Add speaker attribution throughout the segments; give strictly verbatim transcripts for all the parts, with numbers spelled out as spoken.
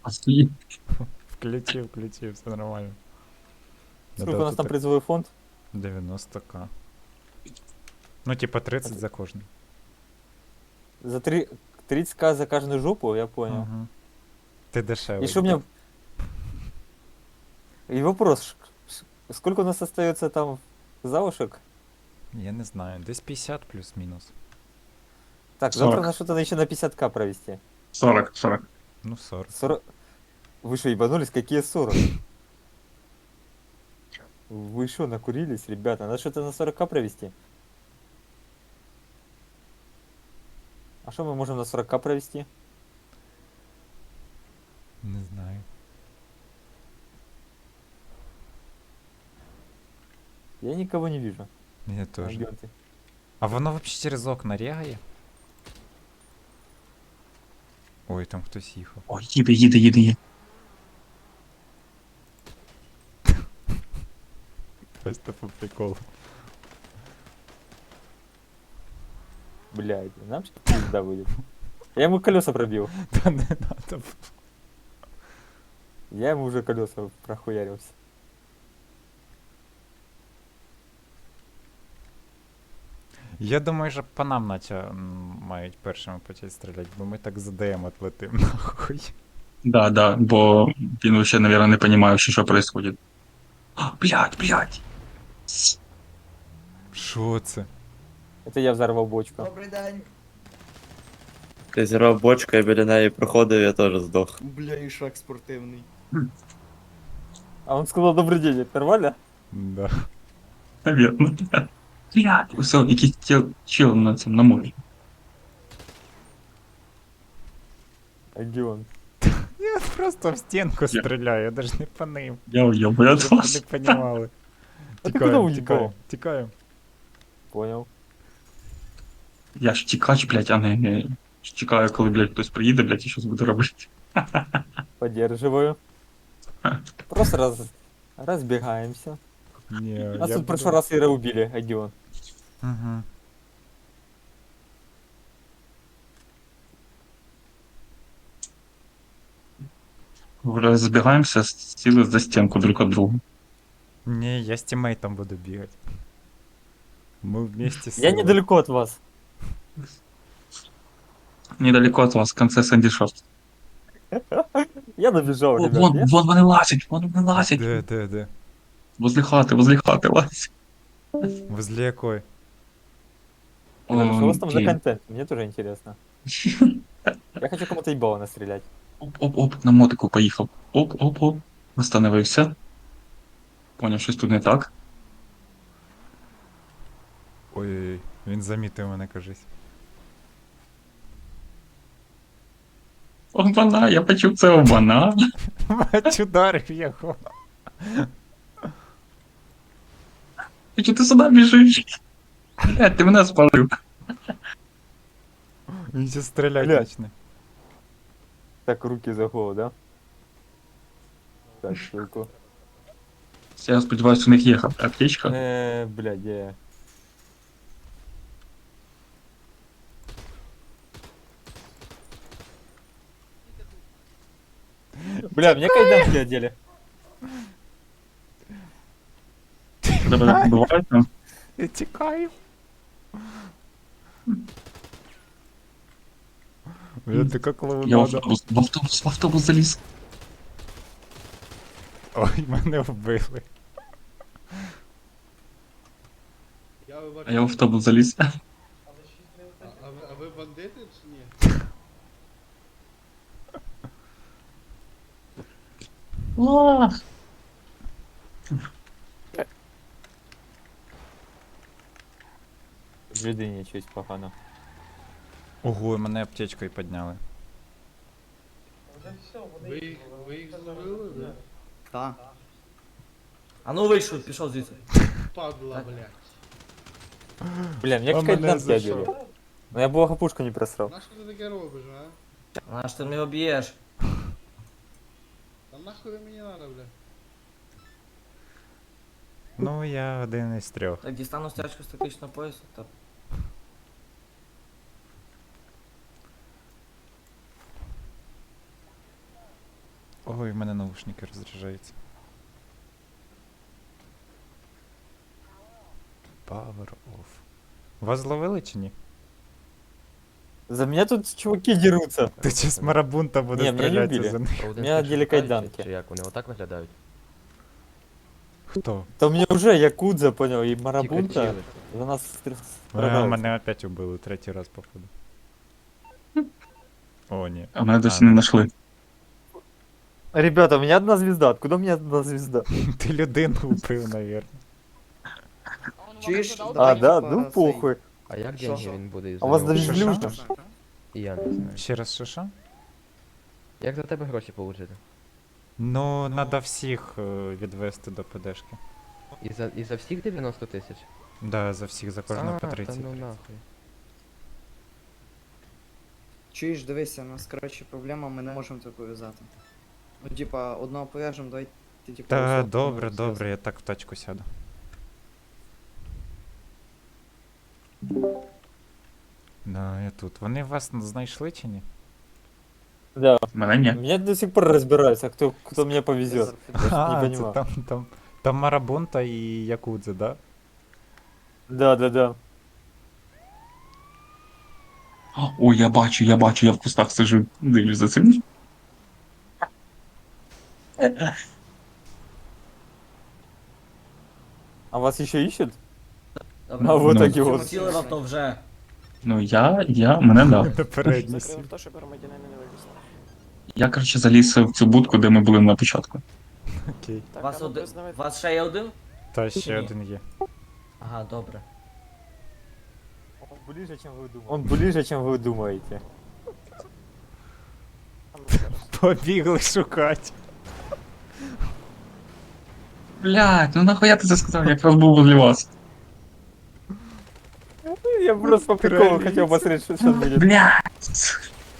Speaker 1: Охуеть.
Speaker 2: Включив, включив, все нормально.
Speaker 3: Сколько у нас там призовой фонд?
Speaker 2: девяносто к. Ну, типа тридцать
Speaker 3: Это-
Speaker 2: за кожный.
Speaker 3: За три... тридцать к за каждую жопу, я понял.
Speaker 2: Угу. Ти
Speaker 3: И
Speaker 2: дешевий.
Speaker 3: что мне... И вопрос, ш- ш- сколько у нас остается там завушек?
Speaker 2: Я не знаю, десь п'ятдесят плюс-мінус.
Speaker 3: Так, завтра
Speaker 1: сорок.
Speaker 3: на что-то еще на пятьдесят к провести.
Speaker 1: сорок, сорок.
Speaker 2: Ну, сорок.
Speaker 3: сорок... Вы что, ебанулись? Какие сорок? Вы что, накурились, ребята? Надо что-то на сорок к провести. А что мы можем на сорок к провести?
Speaker 2: Не знаю.
Speaker 3: Я никого не вижу.
Speaker 2: Я
Speaker 3: А,
Speaker 2: теж.
Speaker 3: где ты?
Speaker 2: А воно взагалі через окна рягає? Ой, там хтось їхав.
Speaker 1: Ой, їде, їде, їде, їде.
Speaker 2: Просто по приколу.
Speaker 3: Блядь, нам сейчас пизда будет. Я ему колеса пробил.
Speaker 2: Та не надо.
Speaker 3: Я ему уже колеса прохуярился.
Speaker 2: Я думаю, що по нам наче м, мають першими почати стріляти, бо ми так задаємо отлетим нахуй.
Speaker 1: Да, да, бо він вообще, наверное, не понимає, що, що происходит. А, блядь, блядь.
Speaker 2: Що це?
Speaker 3: Это я взорвал бочку.
Speaker 4: Добрий день.
Speaker 5: Я зірвав бочку, я біля неї проходив, я теж здох.
Speaker 4: Бля, і шаг спортивний.
Speaker 3: А он сказал добрый день, это нормально?
Speaker 2: Да.
Speaker 1: Наверно. Блядь, все, якийсь чел, чел на цьому, на морі.
Speaker 3: А где он?
Speaker 2: Я просто в стінку стріляю, я даже не по ним.
Speaker 1: Я уйобую від
Speaker 2: Щоб ви
Speaker 1: вас.
Speaker 2: не понімали.
Speaker 3: А ти куди
Speaker 2: Тікаємо,
Speaker 3: уїбав?
Speaker 2: тікаємо, тікаємо.
Speaker 3: Понял.
Speaker 1: Я ж тікач, блядь, а не, не чекаю, коли, блядь, хтось приїде, блядь, і щось буду робити.
Speaker 3: Поддерживаю. Просто раз... разбегаемся.
Speaker 2: Ні,
Speaker 3: Нас
Speaker 2: я
Speaker 3: тут в прошлый раз Ира убили, а где он?
Speaker 2: Угу.
Speaker 1: Розбігаємося, сіли за стінку друг від друга.
Speaker 2: Ні, я з тімейтом буду бігати. Ми вместе з
Speaker 3: Я недалеко от вас.
Speaker 1: Недалеко від вас, в конце Сенді Шорт.
Speaker 3: Я добежал,
Speaker 1: О,
Speaker 3: ребят.
Speaker 1: вон,
Speaker 3: Я-
Speaker 1: вон вони лазять, вон вони лазять.
Speaker 2: Де, де, де?
Speaker 1: Возле хати, возле хати лазять.
Speaker 2: Возле якої?
Speaker 3: Ребята, что у вас там за
Speaker 1: Окей.
Speaker 3: контент? Мне тоже интересно. Я хочу кому-то ебало настрелять.
Speaker 1: Оп-оп-оп, на мотику поїхав. Оп-оп-оп. Остановився. Поняв, щось тут не так.
Speaker 2: Ой, він замітив мене, кажись.
Speaker 1: Обана, я почув це обана.
Speaker 2: Бач, ударив його.
Speaker 1: І чи ти сюди біжиш? Блядь, ти мене спалив.
Speaker 2: Він ще стріляти
Speaker 3: Блядь.
Speaker 2: почне.
Speaker 3: Так, руки за голову, да? Так, штуку.
Speaker 1: Я сподіваюся, у них є аптечка.
Speaker 3: Э, блядь, где я? Бля, мне кайданки одели.
Speaker 1: Тебе буває там?
Speaker 2: Я тікаю. Бля, ти як
Speaker 1: Я в
Speaker 2: клоунада.
Speaker 1: автобус, в автобус, в автобус заліз.
Speaker 2: Ой, мене вбили.
Speaker 6: Я ви
Speaker 1: А я в автобус заліз.
Speaker 6: А, а, ви, а ви бандити чи ні?
Speaker 3: В людині щось погано.
Speaker 2: Ого, мене аптечкою підняли.
Speaker 6: Ви, їх- ви їх зловили, да?
Speaker 4: Та. А ну вийшов, пішов звідси.
Speaker 6: Падла, блядь.
Speaker 3: Бля, мне
Speaker 2: А мене
Speaker 3: кайданки
Speaker 2: за
Speaker 3: одели.
Speaker 2: що?
Speaker 3: Но я благопушку не просрал.
Speaker 6: Нахуй ти таке робиш, а?
Speaker 4: А ж ти мене об'єш.
Speaker 6: Та нахуй ви мені надо, блядь?
Speaker 2: Ну, я один із трьох.
Speaker 4: Так, дістану стяжку з тактичного поясу, та
Speaker 2: Ой, в мене наушники розряджаються. Power off. Вас зловили чи ні?
Speaker 3: За меня тут чуваки дерутся.
Speaker 2: Ти чи з марабунта буде
Speaker 3: Ні, мене не
Speaker 2: стрілятися
Speaker 3: вбили.
Speaker 2: за них?
Speaker 7: А один
Speaker 3: Мене
Speaker 7: з тих,
Speaker 3: оділи
Speaker 7: що втікають,
Speaker 3: кайданки.
Speaker 7: Чи як вони отак виглядають?
Speaker 2: Хто?
Speaker 3: Да мне уже Якудза, понял, и
Speaker 7: Тільки
Speaker 3: Марабунта
Speaker 7: чили.
Speaker 3: за нас стр-
Speaker 2: А,
Speaker 3: страдают.
Speaker 2: мене опять убили, третій раз, походу. О, ні.
Speaker 1: А мене досі
Speaker 2: А,
Speaker 1: не
Speaker 2: ну.
Speaker 1: знайшли.
Speaker 3: Ребята, у меня одна звезда. Откуда у меня одна звезда?
Speaker 2: Ти людину убив, навірно.
Speaker 8: Чуєш?
Speaker 3: А,
Speaker 8: Давай,
Speaker 3: да?
Speaker 8: типа,
Speaker 3: Ну
Speaker 8: цей,
Speaker 3: похуй.
Speaker 7: А як
Speaker 8: Що?
Speaker 7: деньги він буде із
Speaker 3: А у вас
Speaker 7: нього?
Speaker 3: даже
Speaker 2: Що,
Speaker 3: люшно.
Speaker 2: що?
Speaker 7: І я не знаю.
Speaker 2: Ще раз що що?
Speaker 7: Як за тебе гроші получити?
Speaker 2: Ну, надо всіх е, відвести до ПДшки.
Speaker 7: І за, і за всіх дев'яносто тисяч?
Speaker 2: Да, за всіх, за кожного по
Speaker 7: А, та
Speaker 2: тридцять.
Speaker 7: ну нахуй.
Speaker 8: Чуєш, дивися, у нас, коротше, проблема, ми не можемо це пов'язати. Ну, типа, одного пов'яжемо, давай ти типу.
Speaker 2: Та
Speaker 8: особливо
Speaker 2: добре,
Speaker 8: зв'язок.
Speaker 2: добре, я так в тачку сяду. Да, я тут. Вони вас знайшли чи ні?
Speaker 3: Да.
Speaker 1: Мене ні.
Speaker 3: Меня до сих пор разбираются, кто, кто мне повезет.
Speaker 2: А,
Speaker 3: не
Speaker 2: це
Speaker 3: понимаю.
Speaker 2: там, там, там Марабунта і Якудзе, да?
Speaker 3: Да, да, да.
Speaker 1: Ой, я бачу, я бачу, я в кустах сижу, дивлюсь за цим.
Speaker 3: А вас еще ищут?
Speaker 4: Добре.
Speaker 3: А вот
Speaker 1: Ну.
Speaker 3: таки
Speaker 4: Чому
Speaker 3: вот.
Speaker 4: сіли в авто вже?
Speaker 1: Ну я, я, мене да.
Speaker 2: На передній сі-
Speaker 9: Закрив то, щоб громадянина не вивезли.
Speaker 1: Я, коротше, заліз в цю будку, де ми були на початку.
Speaker 2: Окей.
Speaker 9: Так,
Speaker 4: Вас,
Speaker 9: а ну,
Speaker 4: один...
Speaker 9: признавайте.
Speaker 4: Вас ще є один?
Speaker 2: Та ще
Speaker 4: Ні.
Speaker 2: один є.
Speaker 4: Ага, добре.
Speaker 3: Он ближе, чем вы думаете. Он ближе, чем вы думаете.
Speaker 9: А ну, зараз.
Speaker 2: Побігли шукати.
Speaker 1: Блядь, ну нахуя ти це сказав, я якраз був возле вас.
Speaker 3: Я просто по приколу
Speaker 2: Кролица.
Speaker 3: хотел посмотреть, что сейчас будет.
Speaker 1: Блядь.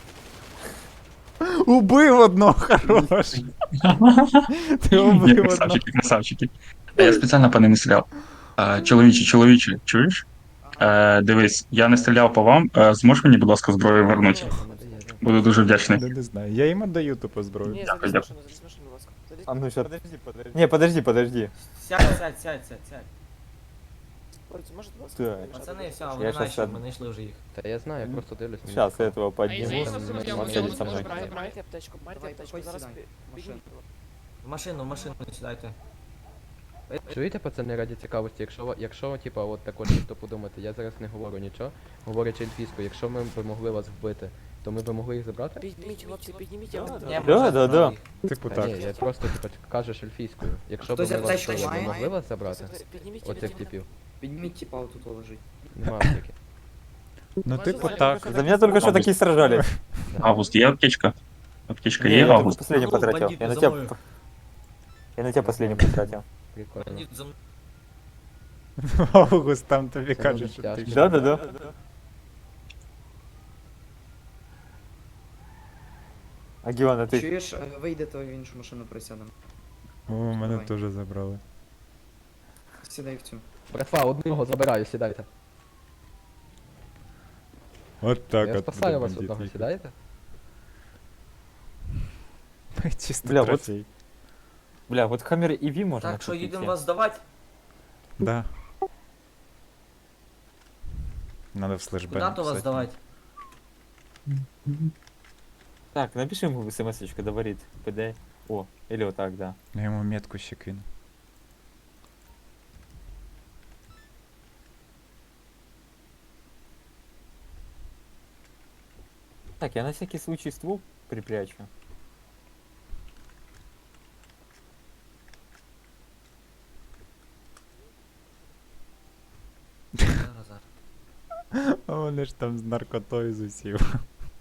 Speaker 2: Убив одного, хорош. Ти убив одного.
Speaker 1: Красавчики, красавчики. А я спеціально по ним не стріляв. А, чоловіче, чоловіче, чуєш? Е, дивись, я не стріляв по вам, е, зможеш мені, будь ласка, зброю вернути?
Speaker 7: Це не дає, да.
Speaker 1: Буду дуже вдячний.
Speaker 2: Ну, не знаю. Я їм отдаю тупо зброю.
Speaker 9: Ні,
Speaker 1: Дякую,
Speaker 9: залізь в машину, залізь в машину, будь ласка. Залізь.
Speaker 3: А ну сейчас. Подожди, подожди. Не, подожди, подожди.
Speaker 4: Сядь, сядь, сядь, сядь, сядь.
Speaker 9: Ой, можете, будь ласка,
Speaker 3: Так.
Speaker 9: не мішати?
Speaker 4: Пацани, все,
Speaker 3: Я
Speaker 4: вони
Speaker 3: щас
Speaker 4: наші,
Speaker 3: сяду.
Speaker 4: ми знайшли вже їх.
Speaker 7: Та я знаю, я просто дивлюсь. мені
Speaker 3: Сейчас
Speaker 7: цікаво.
Speaker 3: этого подниму.
Speaker 7: извините,
Speaker 3: Он
Speaker 7: я- я-
Speaker 3: он
Speaker 7: я-
Speaker 3: сядет
Speaker 7: я-
Speaker 3: со мной.
Speaker 9: Забирайте майте аптечку, майте
Speaker 8: Давай,
Speaker 9: аптечку,
Speaker 8: давай,
Speaker 9: зараз
Speaker 8: сідай.
Speaker 9: пі-
Speaker 8: Машина.
Speaker 9: підніміть.
Speaker 4: В машину, в машину сідайте.
Speaker 7: Чуєте, пацани, раді цікавості, якщо, ви- якщо типа, от також ніхто подумати, я зараз не говорю нічого, говорячи ельфійською, якщо ми б могли вас вбити, то ми б могли їх забрати?
Speaker 9: Підніміть, хлопці, підніміть, я вас
Speaker 4: Ні,
Speaker 9: не
Speaker 4: ми
Speaker 3: Да,
Speaker 4: вже
Speaker 3: да,
Speaker 4: забрали
Speaker 3: да.
Speaker 4: їх.
Speaker 2: Типу
Speaker 7: Та
Speaker 2: так.
Speaker 7: ні, я просто типа кажеш ельфійською. Якщо б
Speaker 4: Хтось
Speaker 7: ми вас
Speaker 8: аптечку
Speaker 7: вбили, ми
Speaker 8: має?
Speaker 7: могли вас забрати?
Speaker 9: Підніміть,
Speaker 7: Оцих
Speaker 9: підніміть.
Speaker 7: типів.
Speaker 8: Підніміть, типа, отут лежить.
Speaker 7: Нема аптеки.
Speaker 2: Ну,
Speaker 9: Можете
Speaker 2: типу
Speaker 9: зараз
Speaker 2: так.
Speaker 9: показати?
Speaker 3: За меня только что такие сражались.
Speaker 1: Август, є аптечка? Аптечка
Speaker 3: Не,
Speaker 1: є,
Speaker 3: я только
Speaker 1: Август?
Speaker 3: последний
Speaker 4: Ну,
Speaker 3: потратил.
Speaker 4: бандиты
Speaker 3: Я на
Speaker 4: за
Speaker 3: тебя...
Speaker 4: мною.
Speaker 3: п- Я на тебя последний потратил.
Speaker 7: Прикольно.
Speaker 4: Бандит за мною.
Speaker 2: Август там тобі
Speaker 7: Це
Speaker 2: каже,
Speaker 7: дуже
Speaker 2: що
Speaker 7: тяжко.
Speaker 2: ти.
Speaker 3: Да, да, да. А Геона, ты...
Speaker 8: Чуєш, е, вийдете в іншу машину, присядемо.
Speaker 2: О, мене
Speaker 8: Давай.
Speaker 2: теж забрали.
Speaker 8: Сідай в цю.
Speaker 7: Братва, одного забираю, сідайте.
Speaker 2: От так
Speaker 7: Я
Speaker 2: от.
Speaker 7: спасаю
Speaker 2: буде
Speaker 7: вас
Speaker 2: бандит
Speaker 7: одного,
Speaker 2: їхати.
Speaker 7: сідаєте?
Speaker 2: Чисто
Speaker 3: Бля, вот-
Speaker 2: трофей.
Speaker 3: Бля, вот Хаммер и Ви можно
Speaker 4: Так, що
Speaker 3: купить,
Speaker 4: їдемо
Speaker 3: я.
Speaker 4: вас здавати?
Speaker 2: Да. Надо в слэшбэк
Speaker 4: Куди то вас
Speaker 2: написать.
Speaker 4: здавати?
Speaker 3: Так, напиши ему смс-очку, говорит, ПД. О, или вот так, да.
Speaker 2: Я ему метку ще кину.
Speaker 3: Так, я на всякий случай ствол припрячу.
Speaker 4: Зараз, зараз.
Speaker 2: А вони ж там з наркотою з усів.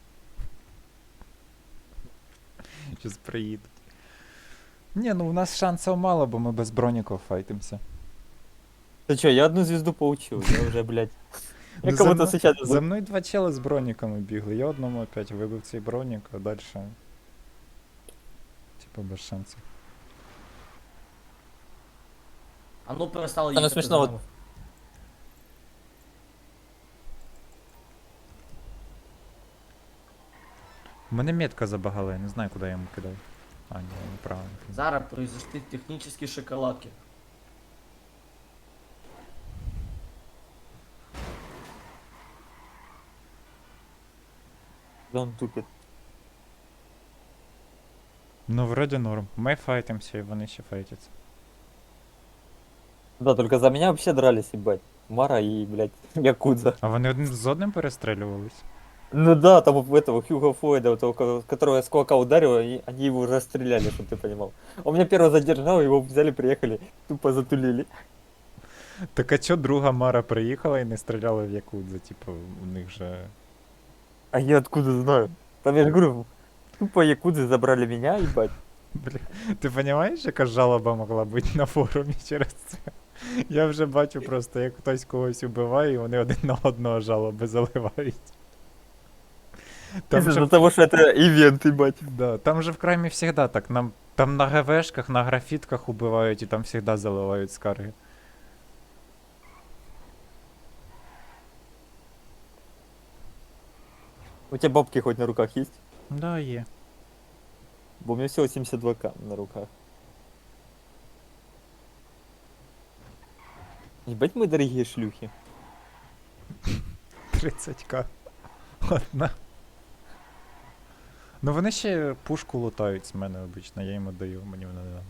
Speaker 2: Щас приїдуть. Ні, ну у нас шансів мало, бо ми без броніків файтимся.
Speaker 3: Ты чё, я одну звезду получил, я уже, блядь. Я
Speaker 2: Ну, за
Speaker 3: кого-то
Speaker 2: мно-
Speaker 3: сейчас...
Speaker 2: За мною два чели з броніками бігли. Я одному опять вибив цей бронік, а далі. Типа без шансів.
Speaker 4: А ну перестали
Speaker 3: Та не
Speaker 4: їхати
Speaker 3: смішно,
Speaker 4: за
Speaker 3: от-
Speaker 4: нами.
Speaker 2: У мене метка забагала, я не знаю, куди я йому кидав. А, ні, неправильно.
Speaker 4: Зараз произошли технические шоколадки.
Speaker 3: Дон тупит.
Speaker 2: Ну, вроді норм. Ми файтимся, і вони ще файтяться.
Speaker 3: Да, только за меня вообще дрались, ебать. Мара и, блядь, Якудза.
Speaker 2: А вони один з одним перестрілювались?
Speaker 3: Ну да, там у этого Хьюго Флойда, у того, ко- которого я с кулака ударил, и они его уже стреляли, чтобы ты понимал. Он меня первого задержал, его взяли, приехали, тупо затулили.
Speaker 2: Так а чо друга Мара приїхала і не стріляла в Якудза? Типу, у них же.
Speaker 3: А я откуда знаю? Там я же говорю, тупо Якудзы забрали меня, ебать.
Speaker 2: Бля, ти розумієш, яка жалоба могла бути на форумі через це? Я вже бачу просто, як хтось когось убиває, і вони один на одного жалоби заливають. Там
Speaker 3: Из-за
Speaker 2: же,
Speaker 3: того, что это ивент, ебать.
Speaker 2: да, там же в краймі завжди так. Нам, там на ГВшках, на графітках убивають, і там завжди заливають скарги.
Speaker 3: У тебя бабки хоть на руках есть?
Speaker 2: Да, є.
Speaker 3: Бо у меня всего семьдесят два ка на руках. Ебать мы дорогие шлюхи.
Speaker 2: тридцять ка. Одна. Ну вони ще пушку лутають з мене обично, я йому даю, мені вона не надо.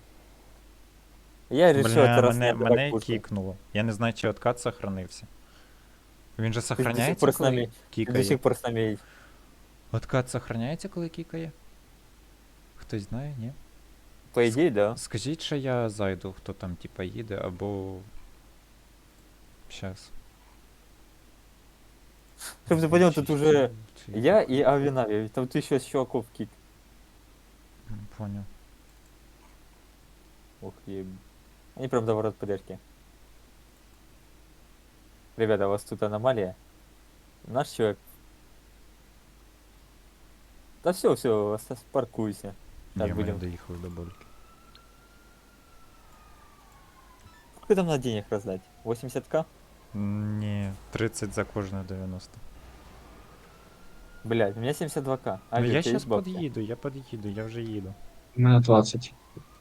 Speaker 3: Я решил
Speaker 2: Бля,
Speaker 3: это раз
Speaker 2: мене,
Speaker 3: не отдавать
Speaker 2: мене
Speaker 3: пушку.
Speaker 2: кікнуло. Я не знаю, чи откат сохранився. Він же
Speaker 3: до сих
Speaker 2: сохраняється,
Speaker 3: пор з
Speaker 2: коли
Speaker 3: нами- До
Speaker 2: кікає?
Speaker 3: сих пор с нами есть.
Speaker 2: Откат сохраняється, коли кікає? Хтось знає, ні?
Speaker 3: По идее, да.
Speaker 2: Скажіть, що я зайду, хто там типа їде, або. Щас.
Speaker 3: Чтобы ты понял, тут уже
Speaker 2: Чи-
Speaker 3: я и Авинави. Там ты еще с чуваков кик.
Speaker 2: М, Понял.
Speaker 3: Ох, еб... Они прям до ворот подержки. Ребята, у вас тут аномалия. Наш человек. Да все, все, паркуйся. Так,
Speaker 2: Ні, ми
Speaker 3: будем.
Speaker 2: доїхали до больки.
Speaker 3: Сколько там надо денег раздать? восемьдесят ка?
Speaker 2: М, Ні, тридцять за кожне дев'яносто.
Speaker 3: Блять, у меня семьдесят два ка. А
Speaker 2: Ну, я
Speaker 3: сейчас
Speaker 2: щас під'їду, я під'їду, я вже їду.
Speaker 1: У мене двадцять.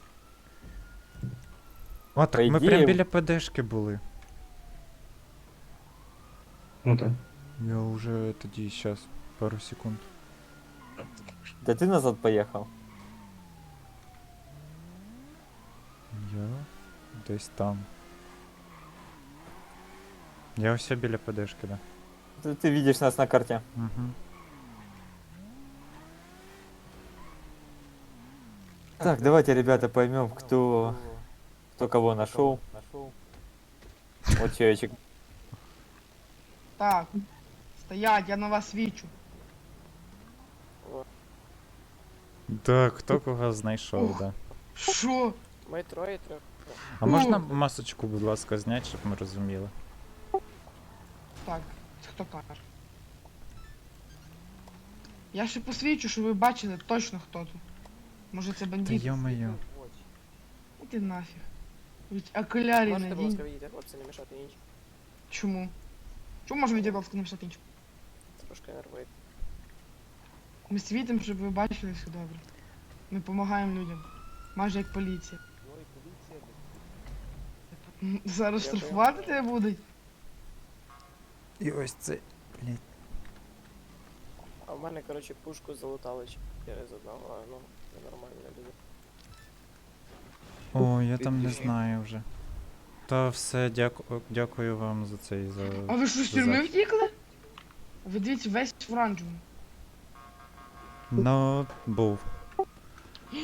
Speaker 2: О, так
Speaker 3: По
Speaker 2: ми
Speaker 3: ідеї-
Speaker 2: прям біля ПДшки були.
Speaker 1: Ну так.
Speaker 2: Я вже тоді щас, пару секунд.
Speaker 3: Да ты назад поехал.
Speaker 2: Я десь там. Я ось біля ПДшки, да.
Speaker 3: Ты, ты видишь нас на карте.
Speaker 2: Угу.
Speaker 3: Так, давайте, ребята, поймем, кто, кто кого нашел. Вот человечек.
Speaker 10: Так, стоять, я на вас свічу.
Speaker 2: Так, хто кого знайшов, да.
Speaker 10: Що?
Speaker 9: Ми троє трьох.
Speaker 2: А можна масочку, будь ласка, зняти, щоб ми розуміли?
Speaker 10: Так, це хто каже? Я ще посвічу, щоб ви бачили точно хто тут. Може це
Speaker 2: Та
Speaker 10: бандит?
Speaker 2: йо-моє.
Speaker 10: Іди нафіг. Від окулярі
Speaker 9: Можете, будь ласка,
Speaker 10: надінь.
Speaker 9: відійти, хлопці, не мішати іншим.
Speaker 10: Чому? Чому можемо відійти, будь ласка, написати іншим?
Speaker 9: Трошки нервує.
Speaker 10: Ми світимо, щоб ви бачили все добре. Ми допомагаємо людям. Майже як поліція. М, Зараз
Speaker 9: Дякую.
Speaker 10: штрафувати тебе будуть?
Speaker 2: І ось це. Блять.
Speaker 9: А в мене, коротше, пушку залутали через одного, а ну, це нормально не буде.
Speaker 2: О, я там не знаю вже. Та все, дяку... дякую вам за цей за.
Speaker 10: А ви що, з
Speaker 2: за
Speaker 10: тюрми
Speaker 2: захист.
Speaker 10: втікли? Ви дивіться, весь в оранжевому.
Speaker 2: Ну, був.